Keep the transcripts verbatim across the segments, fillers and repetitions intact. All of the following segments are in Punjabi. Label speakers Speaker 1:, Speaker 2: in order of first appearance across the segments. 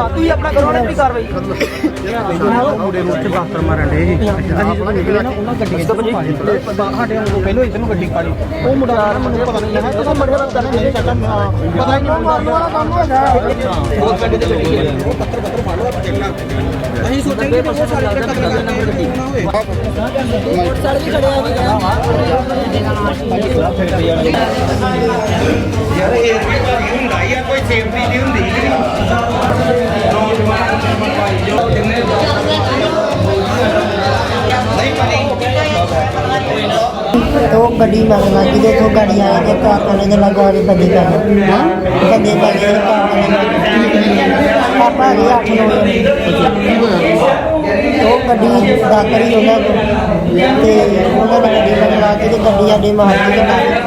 Speaker 1: ਤੁਸੀਂ ਆਪਣਾ ਕਰੋ ਨਾ ਕਾਰਵਾਈ
Speaker 2: ਮੁੰਡੇ ਨੂੰ ਉੱਥੇ ਬਾਸਤਰ ਮਾਰਨ ਦੇ ਜੀ ਅਸੀਂ ਜਦੋਂ ਨਿਕਲੇ ਨਾ ਉਹਨਾਂ ਗੱਡੀ ਤੋਂ ਸਾਡੇ ਨੂੰ ਪਹਿਲੋਂ ਇੱਧਰ ਨੂੰ ਗੱਡੀ ਕਾੜੀ ਉਹ ਮੁੰਡਾ ਮੈਨੂੰ ਪਤਾ ਨਹੀਂ ਹੈ ਜਦੋਂ ਮੁੰਡੇ ਦਾ ਪਤਾ ਨਹੀਂ ਚੱਕਰ ਪਤਾ ਨਹੀਂ ਉਹ ਮਾਰਨ ਵਾਲਾ ਕੰਮ ਹੈਗਾ ਬਹੁਤ ਗੱਡੀ ਤੇ ਗੱਡੀ ਉਹ ਪੱਤਰ ਪੱਤਰ ਫੜ ਲਓ ਚੱਲਣਾ ਅਸੀਂ ਸੋਚਾਂਗੇ ਕਿ ਉਹ ਸਾਰੇ ਜਿਹੜੇ ਕਤਲ ਕਰਨਾ ਗੱਡੀ ਨਾ ਹੋਵੇ
Speaker 1: ਸਾਲ ਵੀ ਖੜਿਆ ਨਹੀਂ
Speaker 3: ਯਾਰ ਇਹ ਵੀ ਭਾਰੀ ਹੁੰਦਾ ਹੀ ਆ ਕੋਈ ਸੇਫਟੀ ਨਹੀਂ ਹੁੰਦੀ
Speaker 4: तो गड्डी मगर लगी तो तो गाड़ी आई तो कार वाले ने लगा के बंदी कर बंदे लगे पापा गए आठ नौ तो गड्डी दातर ही होना ते उन्होंने गड्डी मगर ला के गड्डी आडे मार के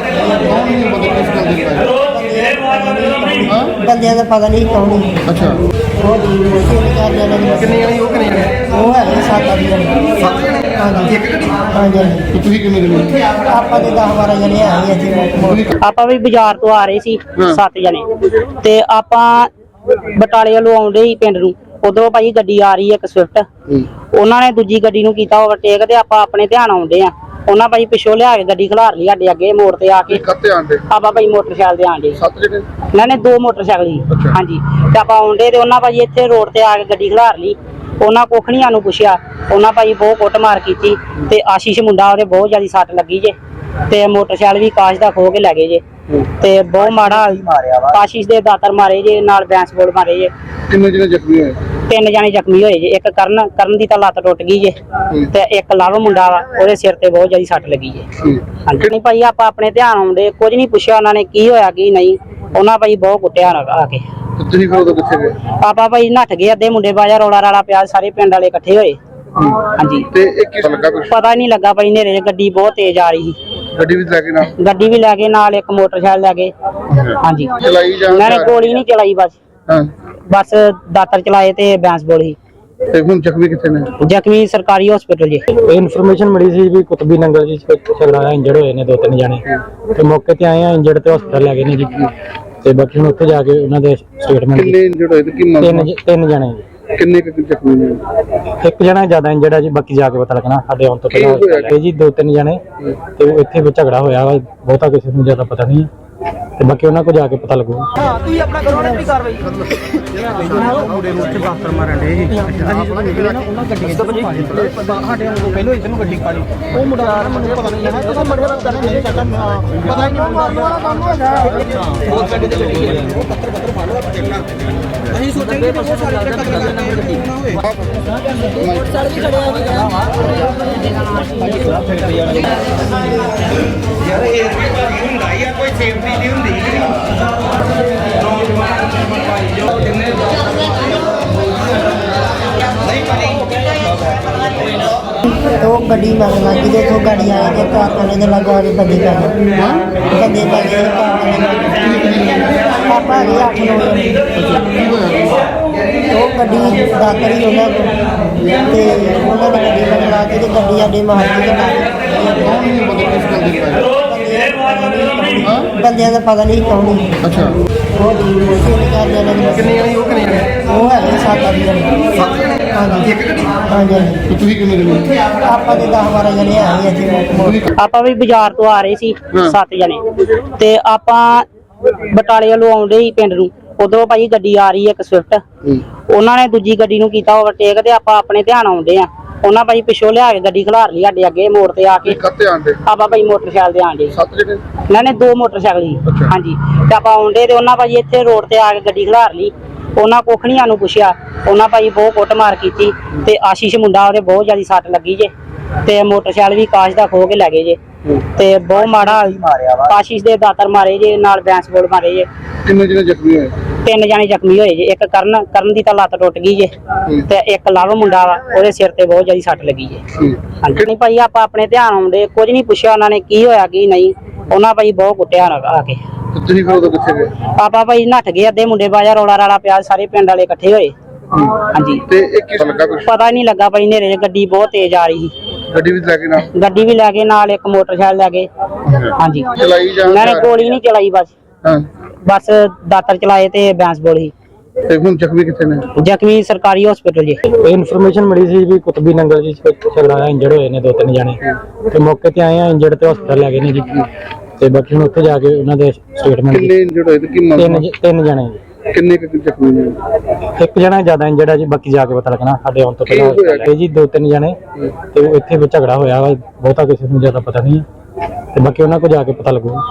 Speaker 4: बंदे का पता नहीं कौन
Speaker 5: अच्छा
Speaker 4: वो
Speaker 5: कितने जने वो कितने जने
Speaker 4: वो है सात आठ जने
Speaker 5: सत्त जने
Speaker 4: हाँ जी
Speaker 5: एक गड्डी
Speaker 4: हाँ जी
Speaker 5: ਤੇ ਤੁਸੀਂ ਕਿੰਨੇ ਜਣੇ
Speaker 4: ਆਪਾਂ ਦੇ दस बारह जने आए ਇੱਥੇ
Speaker 6: ਆਪਾਂ ਵੀ ਬਾਜ਼ਾਰ ਤੋਂ ਆ ਰਹੇ ਸੀ ਸੱਤ ਜਣੇ ਤੇ ਆਪਾਂ ਬਟਾਲੇ ਵੱਲੋਂ ਆਉਂਦੇ ਹੀ ਪਿੰਡ ਨੂੰ ਉਧਰੋਂ ਭਾਈ ਗੱਡੀ ਆ ਰਹੀ ਹੈ ਇੱਕ ਸਵਿਫਟ ਉਹਨਾਂ ਨੇ ਦੂਜੀ ਗੱਡੀ ਨੂੰ ਕੀਤਾ ਓਵਰਟੇਕ ਤੇ ਆਪਾਂ ਆਪਣੇ ਧਿਆਨ ਆਉਂਦੇ ਆ ਉਹਨਾਂ ਭਾਈ ਪਿੱਛੋਂ ਲਿਆ ਕੇ ਗੱਡੀ ਖਿਲਾਰ ਲਈ ਸਾਡੇ ਅੱਗੇ ਮੋੜ ਤੇ ਆ ਕੇ
Speaker 5: ਕੱਤੇ ਆਂਦੇ
Speaker 6: ਆਪਾਂ ਭਾਈ ਮੋਟਰਸਾਈਕਲ ਤੇ ਆਂਦੇ
Speaker 5: ਸੱਤ ਜਣੇ
Speaker 6: ਇਹਨਾਂ ਨੇ ਦੋ ਮੋਟਰਸਾਈਕਲ ਸੀ ਹਾਂਜੀ ਤੇ ਆਪਾਂ ਆਉਂਦੇ ਤੇ ਉਹਨਾਂ ਭਾਈ ਇੱਥੇ ਰੋਡ ਤੇ ਆ ਕੇ ਗੱਡੀ ਖਿਲਾਰ ਲਈ ਉਹਨਾਂ ਕੋਖਣੀਆਂ ਨੂੰ ਪੁੱਛਿਆ ਉਹਨਾਂ ਭਾਈ ਬਹੁਤ ਕੁੱਟਮਾਰ ਕੀਤੀ ਤੇ ਆਸ਼ੀਸ਼ ਮੁੰਡਾ ਉਹਦੇ ਬਹੁਤ ਜ਼ਿਆਦਾ ਸੱਟ ਲੱਗੀ ਜੇ ਤੇ ਮੋਟਰਸਾਈਕਲ ਵੀ ਕਾਸ਼ ਦਾ ਖੋ ਕੇ ਲੈ ਗਏ ਜੇ ਤੇ ਬਹੁਤ ਮਾੜਾ ਆਸ਼ੀਸ਼ ਦੇ ਦਾਤਰ ਮਾਰੇ ਜੇ ਨਾਲ ਬੈਂਸ ਬੋਲ ਮਾਰੇ ਜੇ
Speaker 5: ਕਿੰਨੇ ਜਣੇ ਜ਼ਖਮੀ ਹੋਏ
Speaker 6: ਤਿੰਨ ਜਾਣੇ ਜ਼ਖਮੀ ਹੋਏ ਜੇ ਇੱਕ ਕਰਨ ਕਰਨ ਦੀ ਤਾਂ ਲੱਤ ਟੁੱਟ ਗਈ ਜੇ ਤੇ ਇੱਕ ਲਵ ਮੁੰਡਾ ਵਾ ਉਹਦੇ ਸਿਰ ਤੇ ਬਹੁਤ ਜ਼ਿਆਦਾ ਸੱਟ ਲੱਗੀ ਜੇ ਹਾਂਜੀ ਨਹੀਂ ਭਾਈ ਆਪਾਂ ਆਪਣੇ ਧਿਆਨ ਆਉਂਦੇ ਕੁਝ ਨਹੀਂ ਪੁੱਛਿਆ ਉਹਨਾਂ ਨੇ ਕੀ ਹੋਇਆ ਕੀ ਨਹੀਂ ਉਹਨਾਂ ਭਾਈ ਬਹੁਤ ਕੁੱਟਿਆ ਆ ਕੇ
Speaker 5: ਤੁਸੀਂ ਫਿਰ ਉਦੋਂ ਕਿੱਥੇ ਗਏ
Speaker 6: ਆਪਾਂ ਭਾਈ ਨੱਠ ਗਏ ਅੱਧੇ ਮੁੰਡੇ ਬਾਜਾ ਰੌਲਾ ਰਾਲਾ ਪਿਆ ਸਾਰੇ ਪਿੰਡ ਵਾਲੇ ਇਕੱਠੇ ਹੋਏ ਹਾਂਜੀ
Speaker 5: ਤੇ ਇਹ ਕਿਸ ਲੱਗਾ ਕੁਛ
Speaker 6: ਪਤਾ ਨਹੀਂ ਲੱਗਾ ਭਾਈ ਨੇਰੇ ਗੱਡੀ ਬਹੁਤ ਤੇਜ਼ ਆ ਰਹੀ ਸੀ
Speaker 5: ਗੱਡੀ ਵੀ ਲੈ ਕੇ ਨਾ
Speaker 6: ਗੱਡੀ ਵੀ ਲੈ ਗਏ ਨਾਲ ਇੱਕ ਮੋਟਰਸਾਈਕਲ ਲੈ ਗਏ ਹਾਂਜੀ
Speaker 5: ਚਲਾਈ ਜਾਂ
Speaker 6: ਉਹਨਾਂ ਨੇ ਗੋਲੀ ਨਹੀਂ ਚਲਾਈ ਬਸ
Speaker 5: ਹਾਂ
Speaker 6: ਬਸ ਦਾਤਰ ਚਲਾਏ ਤੇ ਬੈਂਸ ਬੋਲੀ
Speaker 5: ਤੇ ਹੁਣ ਜ਼ਖਮੀ ਕਿੱਥੇ ਨੇ
Speaker 6: ਜ਼ਖਮੀ ਸਰਕਾਰੀ ਹਸਪੀਟਲ ਜੀ
Speaker 2: ਇਨਫੋਰਮੇਸ਼ਨ ਮਿਲੀ ਸੀ ਵੀ ਕੁਤਬੀ ਨੰਗਲ ਜੀ ਝਗੜਾ ਹੋਇਆ ਇੰਜਰਡ ਹੋਏ ਨੇ ਦੋ ਤਿੰਨ ਜਣੇ ਤੇ ਮੌਕੇ ਤੇ ਆਏ ਆ ਇੰਜਰਡ ਤੇ ਹਸਪਤਾਲ ਲੈ ਗਏ ਨੇ ਜੀ ਤੇ ਬਾਕੀ ਹੁਣ ਉੱਥੇ ਜਾ ਕੇ ਉਹਨਾਂ ਦੇ ਸਟੇਟਮੈਂਟ
Speaker 5: ਕਿੰਨੇ ਇੰਜਰਡ ਹੋਏ ਤੇ ਕੀ ਮਾਮਲਾ
Speaker 2: ਤਿੰਨ ਤਿੰਨ ਜਣੇ ਜੀ
Speaker 5: ਕਿੰਨੇ ਕੁ ਜ਼ਖਮੀ ਨੇ
Speaker 2: ਇੱਕ ਜਣਾ ਜ਼ਿਆਦਾ ਇੰਜਰਡ ਹੈ ਜੀ ਬਾਕੀ ਜਾ ਕੇ ਪਤਾ ਲੱਗਣਾ ਸਾਡੇ ਆਉਣ ਤੋਂ ਪਹਿਲਾਂ ਇਹ ਜੀ ਦੋ ਤਿੰਨ ਜਣੇ ਤੇ ਉਹ ਇੱਥੇ ਵੀ ਝਗੜਾ ਹੋਇਆ ਵਾ ਬਹੁਤਾ ਕਿਸੇ ਨੂੰ ਜ਼ਿਆਦਾ ਪਤਾ ਨਹੀਂ ਤੇ ਬਾਕੀ ਉਹਨਾਂ ਕੋਲ ਜਾ ਕੇ ਪਤਾ ਲੱਗੂਗਾ
Speaker 1: ਹਾਂ ਤੁਸੀਂ ਆਪਣਾ ਕਰੋ ਨਾ ਕਾਰਵਾਈ
Speaker 2: ਮੁੰਡੇ ਨੂੰ ਉੱਥੇ ਬਾਸਤਰ ਮਾਰਨ ਦੇ ਜੀ ਅਸੀਂ ਜਦੋਂ ਨਿਕਲੇ ਨਾ ਉਹਨਾਂ ਗੱਡੀ ਤੋਂ ਸਾਡੇ ਨੂੰ ਪਹਿਲੋਂ ਇੱਧਰ ਨੂੰ ਗੱਡੀ ਕਾੜੀ ਉਹ ਮੁੰਡਾ ਮੈਨੂੰ ਪਤਾ ਨਹੀਂ ਹੈ ਜਦੋਂ ਮੁੰਡੇ ਦਾ ਪਤਾ ਨਹੀਂ ਚੱਕਰ ਪਤਾ ਨਹੀਂ ਉਹ ਮਾਰਨ ਵਾਲਾ ਕੰਮ ਹੈਗਾ
Speaker 1: ਬਹੁਤ ਗੱਡੀ ਤੇ ਗੱਡੀ ਉਹ ਪੱਤਰ ਪੱਤਰ ਫੜ ਲਓ ਚੱਲਣਾ ਅਸੀਂ ਸੋਚਾਂਗੇ ਕਿ ਉਹ ਸਾਰੇ ਜਿਹੜੇ ਕਤਲ ਕਰਨਾ ਗੱਡੀ ਨਾ ਹੋਵੇ ਸਾਲ ਵੀ ਖੜਿਆ ਨਹੀਂ
Speaker 3: ਯਾਰ ਇਹ ਵੀ ਭਾਰੀ ਹੁੰਦਾ ਹੀ ਆ ਕੋਈ ਸੇਫਟੀ ਨਹੀਂ ਹੁੰਦੀ
Speaker 4: तो गड्डी मगर लगी तो तो गाड़ी आई तो कार वाले ने लगा के बंदी कर बंदे लगे पापा गए आठ नौ तो गड्डी दातर ही होना ते उन्होंने गड्डी मगर ला के गड्डी आडे मार के बंदे का पता नहीं कौन
Speaker 5: अच्छा
Speaker 4: वो
Speaker 5: ਕਿੰਨੇ ਜਣੇ ਉਹ ਕਿੰਨੇ ਜਣੇ
Speaker 4: वो है सात आठ जने
Speaker 5: ਸੱਤ ਜਣੇ
Speaker 4: हाँ जी
Speaker 5: ਇੱਕ ਗੱਡੀ
Speaker 4: हाँ जी
Speaker 5: ਤੇ ਤੁਸੀਂ ਕਿੰਨੇ ਜਣੇ
Speaker 4: ਆਪਾਂ ਦੇ दस बारह जने आए ਇੱਥੇ
Speaker 6: ਆਪਾਂ ਵੀ ਬਾਜ਼ਾਰ ਤੋਂ ਆ ਰਹੇ ਸੀ ਸੱਤ ਜਣੇ ਤੇ ਆਪਾਂ ਬਟਾਲੇ ਵੱਲੋਂ ਆਉਂਦੇ ਹੀ ਪਿੰਡ ਨੂੰ ਉਧਰੋਂ ਭਾਈ ਗੱਡੀ ਆ ਰਹੀ ਹੈ ਇੱਕ ਸਵਿਫਟ ਉਹਨਾਂ ਨੇ ਦੂਜੀ ਗੱਡੀ ਨੂੰ ਕੀਤਾ ਓਵਰਟੇਕ ਤੇ ਆਪਾਂ ਆਪਣੇ ਧਿਆਨ ਆਉਂਦੇ ਆ ਉਹਨਾਂ ਭਾਈ ਪਿੱਛੋਂ ਲਿਆ ਕੇ ਗੱਡੀ ਖਿਲਾਰ ਲਈ ਸਾਡੇ ਅੱਗੇ ਮੋੜ ਤੇ ਆ ਕੇ
Speaker 5: ਕੱਤੇ ਆਂਦੇ
Speaker 6: ਆਪਾਂ ਭਾਈ ਮੋਟਰਸਾਈਕਲ ਤੇ ਆਂਦੇ
Speaker 5: ਸੱਤ ਜਣੇ
Speaker 6: ਇਹਨਾਂ ਨੇ ਦੋ ਮੋਟਰਸਾਈਕਲ ਸੀ ਹਾਂਜੀ ਤੇ ਆਪਾਂ ਆਉਂਦੇ ਤੇ ਉਹਨਾਂ ਭਾਈ ਇੱਥੇ ਰੋਡ ਤੇ ਆ ਕੇ ਗੱਡੀ ਖਿਲਾਰ ਲਈ ਉਹਨਾਂ ਕੋਖਣੀਆਂ ਨੂੰ ਪੁੱਛਿਆ ਉਹਨਾਂ ਭਾਈ ਬਹੁਤ ਕੁੱਟਮਾਰ ਕੀਤੀ ਤੇ ਆਸ਼ੀਸ਼ ਮੁੰਡਾ ਉਹਦੇ ਬਹੁਤ ਜ਼ਿਆਦਾ ਸੱਟ ਲੱਗੀ ਜੇ ਤੇ ਮੋਟਰਸਾਈਕਲ ਵੀ ਕਾਸ਼ ਦਾ ਖੋ ਕੇ ਲੈ ਗਏ ਜੇ ਤੇ ਬਹੁਤ ਮਾੜਾ ਆਸ਼ੀਸ਼ ਦੇ ਦਾਤਰ ਮਾਰੇ ਜੇ ਨਾਲ ਬੈਂਸ ਬੋਲ ਮਾਰੇ ਜੇ
Speaker 5: ਕਿੰਨੇ ਜਣੇ ਜ਼ਖਮੀ ਹੋਏ
Speaker 6: ਤਿੰਨ ਜਾਣੇ ਜ਼ਖਮੀ ਹੋਏ ਜੇ ਇੱਕ ਕਰਨ ਕਰਨ ਦੀ ਤਾਂ ਲੱਤ ਟੁੱਟ ਗਈ ਜੇ ਤੇ ਇੱਕ ਲਵ ਮੁੰਡਾ ਵਾ ਉਹਦੇ ਸਿਰ ਤੇ ਬਹੁਤ ਜ਼ਿਆਦਾ ਸੱਟ ਲੱਗੀ ਜੇ ਹਾਂਜੀ ਨਹੀਂ ਭਾਈ ਆਪਾਂ ਆਪਣੇ ਧਿਆਨ ਆਉਂਦੇ ਕੁਝ ਨਹੀਂ ਪੁੱਛਿਆ ਉਹਨਾਂ ਨੇ ਕੀ ਹੋਇਆ ਕੀ ਨਹੀਂ ਉਹਨਾਂ ਭਾਈ ਬਹੁਤ ਕੁੱਟਿਆ ਆ ਕੇ
Speaker 5: ਤੁਸੀਂ ਫਿਰ ਉਦੋਂ ਕਿੱਥੇ ਗਏ
Speaker 6: ਆਪਾਂ ਭਾਈ ਨੱਠ ਗਏ ਅੱਧੇ ਮੁੰਡੇ ਬਾਜਾ ਰੌਲਾ ਰਾਲਾ ਪਿਆ ਸਾਰੇ ਪਿੰਡ ਵਾਲੇ ਇਕੱਠੇ ਹੋਏ ਹਾਂਜੀ
Speaker 5: ਤੇ ਇਹ ਕਿਸ ਲੱਗਾ ਕੁਛ
Speaker 6: ਪਤਾ ਨਹੀਂ ਲੱਗਾ ਭਾਈ ਨੇਰੇ ਗੱਡੀ ਬਹੁਤ ਤੇਜ਼ ਆ ਰਹੀ ਸੀ
Speaker 5: ਗੱਡੀ ਵੀ ਲੈ ਕੇ ਨਾ
Speaker 6: ਗੱਡੀ ਵੀ ਲੈ ਗਏ ਨਾਲ ਇੱਕ ਮੋਟਰਸਾਈਕਲ ਲੈ ਗਏ ਹਾਂਜੀ
Speaker 5: ਚਲਾਈ ਜਾਂ
Speaker 6: ਉਹਨਾਂ ਨੇ ਗੋਲੀ ਨਹੀਂ ਚਲਾਈ ਬਸ
Speaker 5: ਹਾਂ
Speaker 6: ਬਸ ਦਾਤਰ ਚਲਾਏ ਤੇ ਬੈਂਸ ਬੋਲੀ
Speaker 5: ਤੇ ਹੁਣ ਜ਼ਖਮੀ ਕਿੱਥੇ ਨੇ?
Speaker 6: ਜ਼ਖਮੀ ਸਰਕਾਰੀ ਹਸਪੀਟਲ ਜੀ।
Speaker 2: ਇਹ ਇਨਫੋਰਮੇਸ਼ਨ ਮਿਲੀ ਸੀ ਵੀ ਕੁਤਬੀ ਨੰਗਲ ਜੀ ਝਗੜਾ ਇੰਜਰਡ ਹੋਏ ਨੇ ਦੋ ਤਿੰਨ ਜਣੇ ਤੇ ਮੌਕੇ ਤੇ ਆਏ ਆ, ਇੰਜਰਡ ਤੇ ਹਸਪਤਾਲ ਲੈ ਗਏ ਨੇ ਜੀ ਤੇ ਬਾਕੀ ਹੁਣ ਉੱਥੇ ਜਾ ਕੇ ਉਹਨਾਂ ਦੇ ਸਟੇਟਮੈਂਟ
Speaker 5: ਕਿੰਨੇ ਇੰਜਰਡ ਹੋਏ ਤੇ ਕੀ
Speaker 2: ਤਿੰਨ
Speaker 5: ਮੰਗ
Speaker 2: ਜ- ਤਿੰਨ ਜਣੇ ਜੀ।
Speaker 5: ਕਿੰਨੇ ਕੁ ਜ਼ਖਮੀ ਨੇ?
Speaker 2: ਇੱਕ ਜਣਾ ਜ਼ਿਆਦਾ ਇੰਜਰਡ ਹੈ ਜੀ, ਬਾਕੀ ਜਾ ਕੇ ਪਤਾ ਲੱਗਣਾ ਸਾਡੇ ਆਉਣ ਤੋਂ
Speaker 5: ਕੀ
Speaker 2: ਪਹਿਲਾਂ
Speaker 5: ਹੋਇਆ?
Speaker 2: ਇਹ ਜੀ ਦੋ ਤਿੰਨ ਜਣੇ ਤੇ ਇੱਥੇ ਵੀ ਝਗੜਾ ਹੋਇਆ ਵਾ, ਬਹੁਤਾ ਕਿਸੇ ਨੂੰ ਜ਼ਿਆਦਾ ਪਤਾ ਨਹੀਂ ਹੈ ਤੇ ਬਾਕੀ ਉਹਨਾਂ ਕੋਲ ਜਾ ਕੇ ਪਤਾ ਲੱਗੂ।